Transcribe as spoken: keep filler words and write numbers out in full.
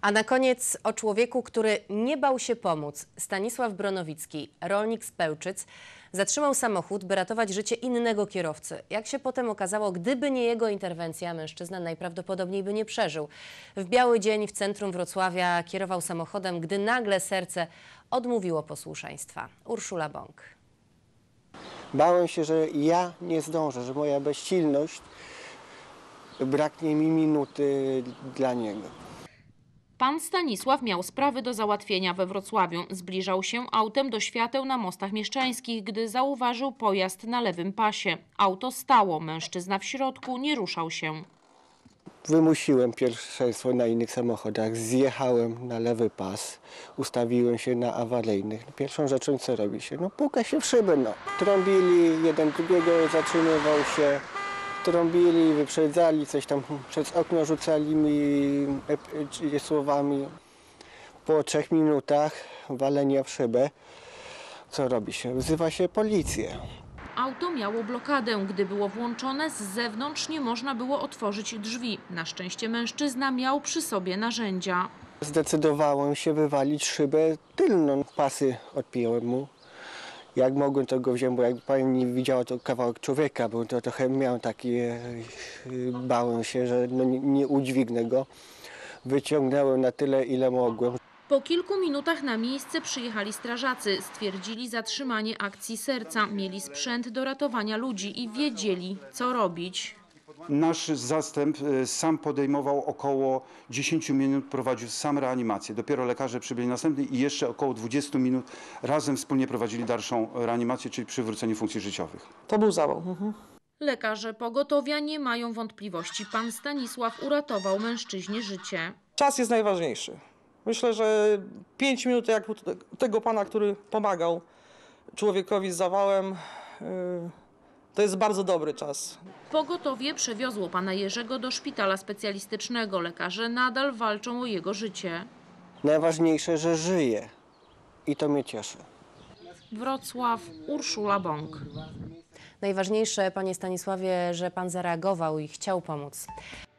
A na koniec o człowieku, który nie bał się pomóc. Stanisław Bronowicki, rolnik z Pełczyc, zatrzymał samochód, by ratować życie innego kierowcy. Jak się potem okazało, gdyby nie jego interwencja, mężczyzna najprawdopodobniej by nie przeżył. W biały dzień w centrum Wrocławia kierował samochodem, gdy nagle serce odmówiło posłuszeństwa. Urszula Bąk. Bałem się, że ja nie zdążę, że moja bezsilność, braknie mi minuty dla niego. Pan Stanisław miał sprawy do załatwienia we Wrocławiu. Zbliżał się autem do świateł na Mostach Mieszczańskich, gdy zauważył pojazd na lewym pasie. Auto stało, mężczyzna w środku nie ruszał się. Wymusiłem pierwszeństwo na innych samochodach, zjechałem na lewy pas, ustawiłem się na awaryjnych. Pierwszą rzeczą, co robi się? No puka się w szybę, no. Trąbili, jeden drugiego zatrzymywał się, trąbili, wyprzedzali, coś tam przez okno rzucali mi e, słowami. Po trzech minutach walenia w szybę, co robi się? Wzywa się policję. Auto miało blokadę. Gdy było włączone, z zewnątrz nie można było otworzyć drzwi. Na szczęście mężczyzna miał przy sobie narzędzia. Zdecydowałem się wywalić szybę tylną. Pasy odpiąłem mu. Jak mogłem, to go wziąłem, bo jak pani widziała, to kawałek człowieka, bo to trochę miałem taki, bałem się, że no nie, nie udźwignę go. Wyciągnąłem na tyle, ile mogłem. Po kilku minutach na miejsce przyjechali strażacy. Stwierdzili zatrzymanie akcji serca. Mieli sprzęt do ratowania ludzi i wiedzieli, co robić. Nasz zastęp sam podejmował około dziesięć minut, prowadził sam reanimację. Dopiero lekarze przybyli następny i jeszcze około dwadzieścia minut razem wspólnie prowadzili dalszą reanimację, czyli przywrócenie funkcji życiowych. To był zawał. Mhm. Lekarze pogotowia nie mają wątpliwości. Pan Stanisław uratował mężczyźnie życie. Czas jest najważniejszy. Myślę, że pięć minut jak u tego pana, który pomagał człowiekowi z zawałem, to jest bardzo dobry czas. Pogotowie przewiozło pana Jerzego do szpitala specjalistycznego. Lekarze nadal walczą o jego życie. Najważniejsze, że żyje i to mnie cieszy. Wrocław, Urszula Bąk. Najważniejsze, panie Stanisławie, że pan zareagował i chciał pomóc.